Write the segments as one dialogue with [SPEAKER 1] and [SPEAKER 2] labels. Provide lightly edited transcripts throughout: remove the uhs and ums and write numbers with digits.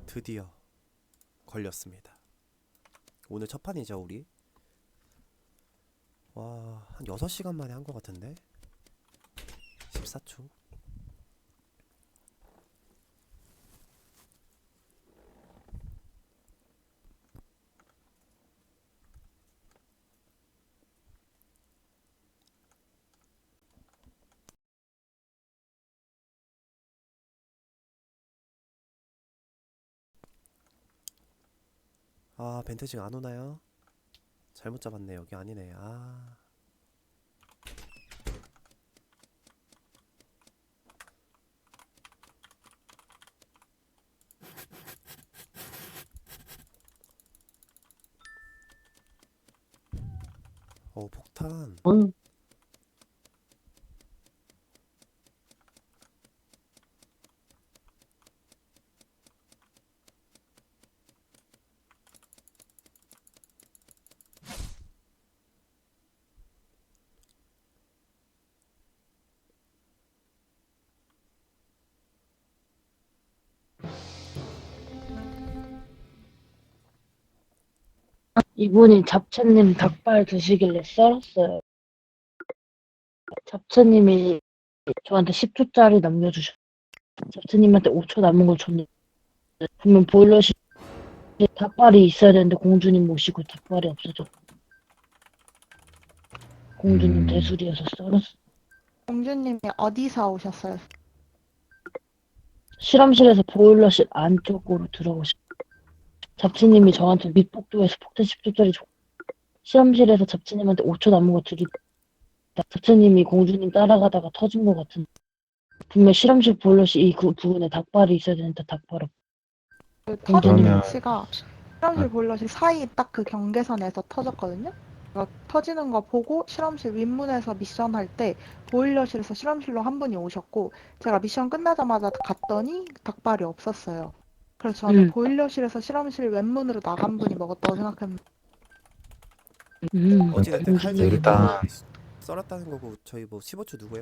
[SPEAKER 1] 드디어 걸렸습니다. 오늘 첫 판이죠, 우리. 와, 한 6시간 만에 한 것 같은데? 14초. 아, 벤트징 안 오나요? 잘못 잡았네. 여기 아니네. 아, 폭탄.
[SPEAKER 2] 응. 이분이 잡채님 닭발 드시길래 썰었어요. 잡채님이 저한테 10초짜리 남겨주셨어요. 잡채님한테 5초 남은 걸 줬는데 분명 보일러실 닭발이 있어야 되는데 공주님 모시고 닭발이 없어졌고 공주님
[SPEAKER 3] 음,
[SPEAKER 2] 대술이어서 썰었어.
[SPEAKER 4] 공주님이 어디서 오셨어요?
[SPEAKER 2] 실험실에서 보일러실 안쪽으로 들어오셨어요. 잡채님이 저한테 밑복도에서 폭탄 10초짜리 줬고 실험실에서 잡채님한테 5초 남은 거 드리다 잡채님이 공주님 따라가다가 터진 것 같은데 분명 실험실 보일러실 그 부분에 닭발이 있어야 되는데 닭발 없고
[SPEAKER 4] 그 터진
[SPEAKER 2] 공주님
[SPEAKER 3] 그러면
[SPEAKER 4] 위치가
[SPEAKER 3] 아,
[SPEAKER 4] 실험실 보일러실 사이 딱 그 경계선에서 터졌거든요. 터지는 거 보고 실험실 윗문에서 미션 할 때 보일러실에서 실험실로 한 분이 오셨고 제가 미션 끝나자마자 갔더니 닭발이 없었어요. 그래서 저는 보일러실에서 실험실 왼문으로 나간 분이 먹었다고 생각했는데
[SPEAKER 1] 어찌됐든 칼쟁이
[SPEAKER 2] 공주님
[SPEAKER 3] 일단
[SPEAKER 1] 뭐 썰었다는 거고 저희 뭐 15초 누구예요?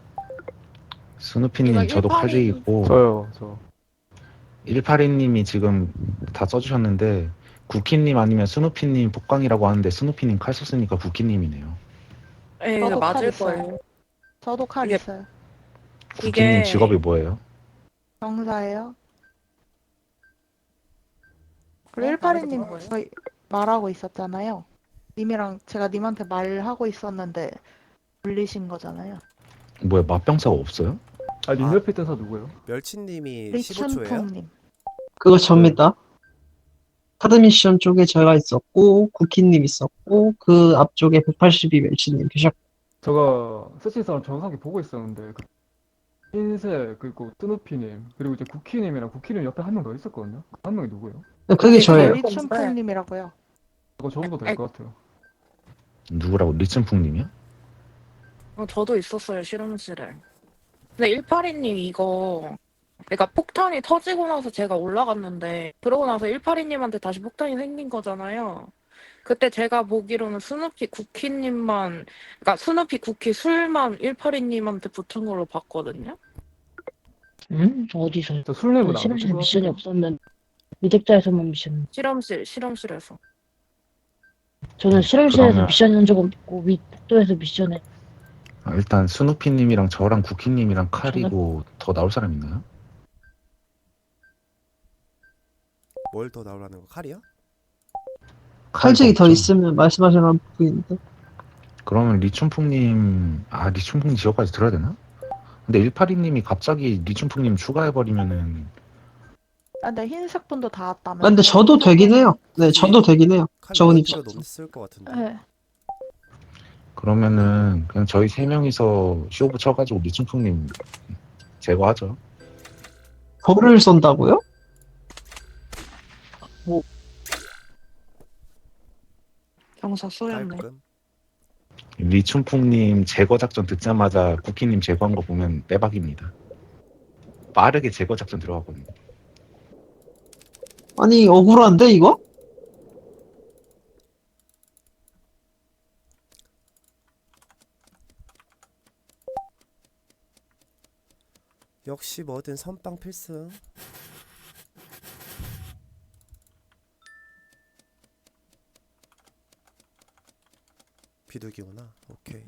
[SPEAKER 3] 스누피님 저도 칼직이고
[SPEAKER 5] 저요.
[SPEAKER 3] 182님이 지금 다 써주셨는데 구키님 아니면 스누피님 복강이라고 하는데 스누피님 칼 썼으니까 구키님이네요.
[SPEAKER 6] 예, 이게
[SPEAKER 4] 저도 칼
[SPEAKER 6] 맞을
[SPEAKER 4] 있어요.
[SPEAKER 6] 거예요.
[SPEAKER 4] 저도 칼
[SPEAKER 6] 이게
[SPEAKER 4] 있어요.
[SPEAKER 3] 구키님 직업이
[SPEAKER 6] 이게
[SPEAKER 3] 뭐예요?
[SPEAKER 4] 경사예요. 그리고
[SPEAKER 6] 네? 말해도
[SPEAKER 4] 182님
[SPEAKER 6] 되는 거예요?
[SPEAKER 4] 저희 말하고 있었잖아요. 님이랑 제가 님한테 말하고 있었는데 물리신 거잖아요.
[SPEAKER 3] 뭐야 맛병사가 없어요?
[SPEAKER 5] 아, 님
[SPEAKER 1] 아,
[SPEAKER 5] 옆에 있던 사 누구예요?
[SPEAKER 1] 멸치님이 15초예요?
[SPEAKER 4] 리춘풍님.
[SPEAKER 2] 그거
[SPEAKER 5] 네.
[SPEAKER 2] 접니다. 카드미션 쪽에 제가 있었고 쿠키님 있었고 그 앞쪽에 182 멸치님 계셨고
[SPEAKER 5] 제가 스치사람 정상기 보고 있었는데 그 흰색 그리고 뜨누피님 그리고 이제 쿠키님이랑 쿠키님 옆에 한 명 더 있었거든요. 그 한 명이 누구예요?
[SPEAKER 2] 그게
[SPEAKER 6] 이게
[SPEAKER 4] 그게
[SPEAKER 2] 저예요.
[SPEAKER 6] 제일 건데.
[SPEAKER 4] 리춘풍님이라고요.
[SPEAKER 5] 그거 적어도 될
[SPEAKER 6] 아니,
[SPEAKER 5] 것 같아요.
[SPEAKER 3] 누구라고? 리춘풍님이요?
[SPEAKER 6] 저도 있었어요, 실험실에. 근데 182님 이거, 그러니까 폭탄이 터지고 나서 제가 올라갔는데, 그러고 나서 182님한테 다시 폭탄이 생긴 거잖아요. 그때 제가 보기로는 스누피 쿠키님만, 그러니까 스누피 쿠키 술만 182님한테 붙은 걸로 봤거든요.
[SPEAKER 2] 어디서요?
[SPEAKER 5] 저 술래문
[SPEAKER 2] 저는
[SPEAKER 5] 안 붙은
[SPEAKER 2] 실험실에
[SPEAKER 5] 것
[SPEAKER 2] 미션이
[SPEAKER 5] 같은데요?
[SPEAKER 2] 없었는데 미적자에서만 미션.
[SPEAKER 6] 실험실에서.
[SPEAKER 2] 저는 실험실에서
[SPEAKER 3] 그러면
[SPEAKER 2] 미션 한 적 없고 윗복도에서 미션에
[SPEAKER 3] 일단 스누피님이랑 저랑 구키님이랑
[SPEAKER 2] 저는
[SPEAKER 3] 칼이고 더 나올 사람 있나요?
[SPEAKER 1] 뭘 더 나오라는 거? 칼이요?
[SPEAKER 3] 칼이 더
[SPEAKER 2] 칼직이 더
[SPEAKER 3] 없죠?
[SPEAKER 2] 있으면 말씀하시는 분인데
[SPEAKER 3] 그러면 리춘풍님 리춘풍님 지역까지 들어야 되나? 근데 182님이 갑자기 리춘풍님 추가해버리면은
[SPEAKER 4] 아, 근데 흰색 분도 다
[SPEAKER 2] 근데
[SPEAKER 4] 왔다면서요.
[SPEAKER 2] 저도 되긴 해요. 네
[SPEAKER 1] 굳이
[SPEAKER 2] 저도 되긴 해요.
[SPEAKER 1] 칼
[SPEAKER 2] 좋은
[SPEAKER 1] 넣을 필요도
[SPEAKER 2] 입장에서.
[SPEAKER 1] 없을 것 같은데.
[SPEAKER 4] 네.
[SPEAKER 3] 그러면은 그냥 저희 세 명이서 쇼부 쳐가지고 리춘풍님 제거하죠.
[SPEAKER 2] 벌을 쏜다고요?
[SPEAKER 6] 경사 쏘였네.
[SPEAKER 1] 깔끔.
[SPEAKER 3] 리춘풍님 제거 작전 듣자마자 구키님 제거한 거 보면 빼박입니다. 빠르게 제거 작전 들어갔거든요.
[SPEAKER 2] 아니 억울한데 이거?
[SPEAKER 1] 역시 뭐든 선빵 필승. 비둘기구나. 오케이.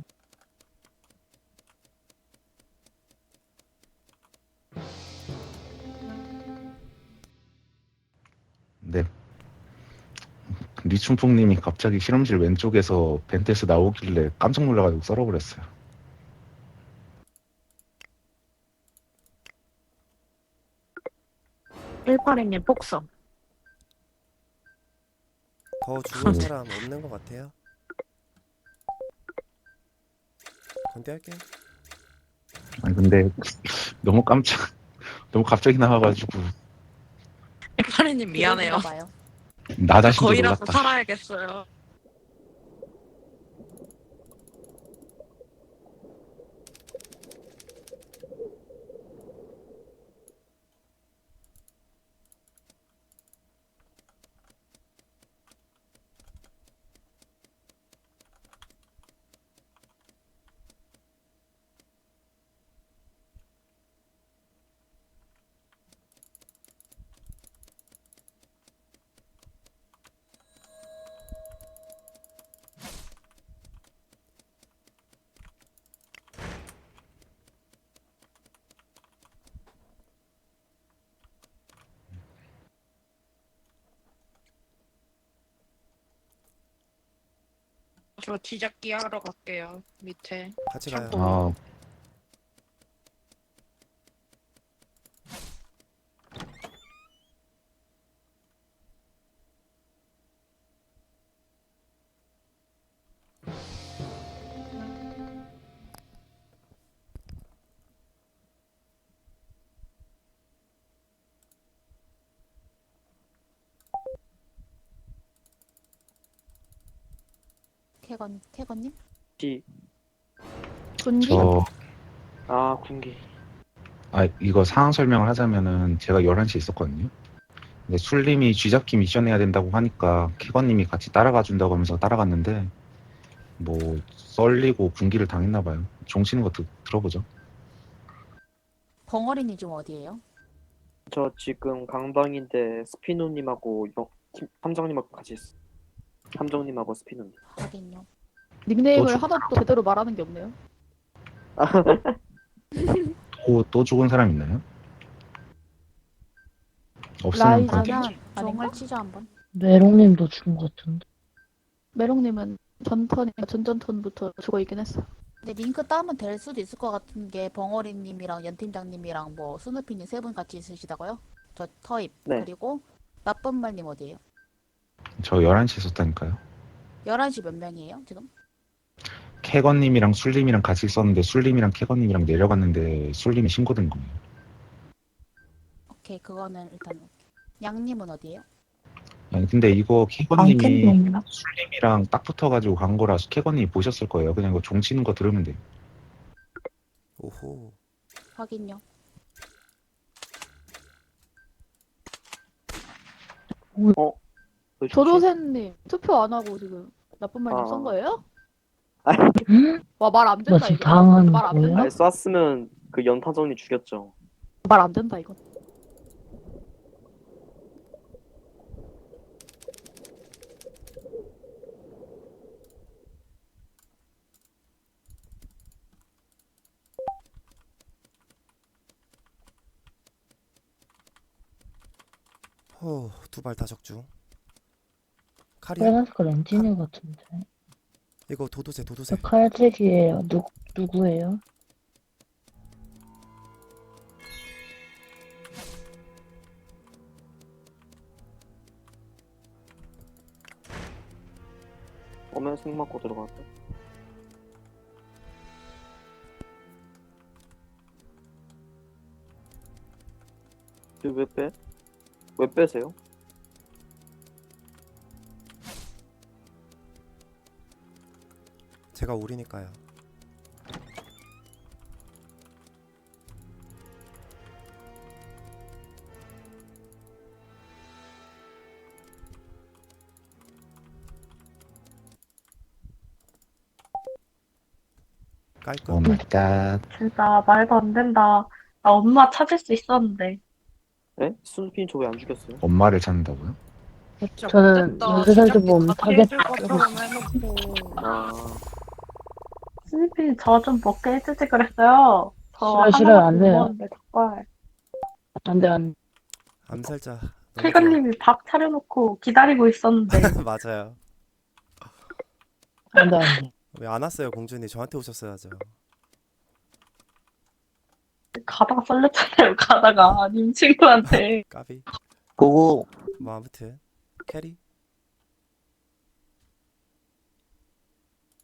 [SPEAKER 3] 네. 리춘풍님이 갑자기 실험실 왼쪽에서 벤테스 나오길래 깜짝 놀라가지고 썰어버렸어요.
[SPEAKER 6] 일파리님 폭성.
[SPEAKER 1] 더 죽은 사람 없는 것 같아요. 건대할게요.
[SPEAKER 3] 아니 근데 너무 너무 갑자기 나와가지고
[SPEAKER 6] 일파리님 미안해요.
[SPEAKER 7] 봐요.
[SPEAKER 3] 나 자신도
[SPEAKER 6] 거의라도
[SPEAKER 3] 놀랐다.
[SPEAKER 6] 살아야겠어요. 저 뒤잡기 하러 갈게요. 밑에.
[SPEAKER 1] 같이 가요.
[SPEAKER 3] 아,
[SPEAKER 7] 캐건님?
[SPEAKER 8] 기.
[SPEAKER 7] 군기?
[SPEAKER 8] 군기.
[SPEAKER 3] 이거 상황 설명을 하자면은 제가 11시에 있었거든요. 근데 술님이 쥐잡기 미션 해야 된다고 하니까 캐건님이 같이 따라가 준다고 하면서 따라갔는데 뭐 썰리고 군기를 당했나 봐요. 종치는 거 들어보죠.
[SPEAKER 7] 벙어리님 지금 어디에요?
[SPEAKER 8] 저 지금 강방인데 스피노님하고 함정님하고 같이 있어. 함정님하고 스피노님.
[SPEAKER 7] 하긴요.
[SPEAKER 9] 닉네임을
[SPEAKER 3] 또
[SPEAKER 9] 하나도 제대로 말하는 게 없네요.
[SPEAKER 3] 또 죽은 사람 있나요? 없으면
[SPEAKER 9] 라이즈.
[SPEAKER 3] 그렇게
[SPEAKER 7] 그러면
[SPEAKER 9] 아닌가?
[SPEAKER 7] 종을 치자 한번.
[SPEAKER 2] 메롱님도 죽은 것 같은데.
[SPEAKER 9] 메롱님은 전전턴부터 죽어 있긴 했어.
[SPEAKER 7] 근데 링크 따면 될 수도 있을 것 같은 게 벙어리님이랑 연팀장님이랑 뭐 스누피님 세 분 같이 있으시다고요? 저 터입.
[SPEAKER 8] 네.
[SPEAKER 7] 그리고 나쁜 말님 어디에요?
[SPEAKER 3] 저 11시에 있었다니까요.
[SPEAKER 7] 11시 몇 명이에요 지금?
[SPEAKER 3] 캐건님이랑 술님이랑 같이 있었는데 술님이랑 캐건님이랑 내려갔는데 술님이 신고된 거예요.
[SPEAKER 7] 오케이 그거는 일단 오케이. 양님은 어디에요?
[SPEAKER 3] 아니 근데 이거
[SPEAKER 2] 안
[SPEAKER 3] 캐건님이
[SPEAKER 2] 캔데
[SPEAKER 3] 술님이랑 딱 붙어가지고 간 거라 캐건님이 보셨을 거예요. 그냥 이거 종치는 거 들으면 돼요.
[SPEAKER 1] 오호.
[SPEAKER 7] 확인요.
[SPEAKER 9] 조조새님 투표 안 하고 지금 나쁜 말좀
[SPEAKER 8] 아.
[SPEAKER 9] 쓴 거예요?
[SPEAKER 2] 응?
[SPEAKER 9] 와 말 안
[SPEAKER 2] 나
[SPEAKER 9] 된다
[SPEAKER 2] 지금
[SPEAKER 9] 이거.
[SPEAKER 2] 당하는
[SPEAKER 9] 말 안
[SPEAKER 2] 거야?
[SPEAKER 9] 된다.
[SPEAKER 8] 아니 쐈으면 그 연타정이 죽였죠.
[SPEAKER 9] 말 안 된다 이거.
[SPEAKER 1] 두 발 다 적중. 칼이야?
[SPEAKER 2] 빨간색깔 엔지니어 같은데.
[SPEAKER 1] 이거 도도새 도도새.
[SPEAKER 2] 저 칼직이에요. 누구예요?
[SPEAKER 8] 오면 생 맞고 들어갔다. 왜 빼? 왜 빼세요?
[SPEAKER 1] 제가 오리니까요. 깔끔.
[SPEAKER 3] 오 마이 갓.
[SPEAKER 10] 진짜 말도 안 된다. 나 엄마 찾을 수 있었는데.
[SPEAKER 8] 네? 스누피님 저 왜 안 죽였어요?
[SPEAKER 3] 엄마를 찾는다고요?
[SPEAKER 6] 진짜
[SPEAKER 2] 저는
[SPEAKER 6] 못됐다.
[SPEAKER 2] 연쇄살주 보험
[SPEAKER 6] 제작비
[SPEAKER 2] 타겟
[SPEAKER 6] 해줄 것처럼 해놓고.
[SPEAKER 8] 아,
[SPEAKER 10] 스니피 저 좀 먹게 해주지 그랬어요. 저
[SPEAKER 2] 싫어요, 안
[SPEAKER 10] 하나밖에 못
[SPEAKER 2] 돼요.
[SPEAKER 10] 먹었는데 닭발.
[SPEAKER 2] 안 돼, 안 돼.
[SPEAKER 1] 암살자. 너무 좋아.
[SPEAKER 10] 킬건님이 밥 차려놓고 기다리고 있었는데
[SPEAKER 1] 맞아요.
[SPEAKER 2] 안 돼, 안 돼.
[SPEAKER 1] 왜 안 왔어요, 공주님? 저한테 오셨어야죠.
[SPEAKER 10] 가다가 썰렸잖아요. 가다가 님 친구한테.
[SPEAKER 1] 까비.
[SPEAKER 11] 고고.
[SPEAKER 1] 뭐 아무튼 캐리.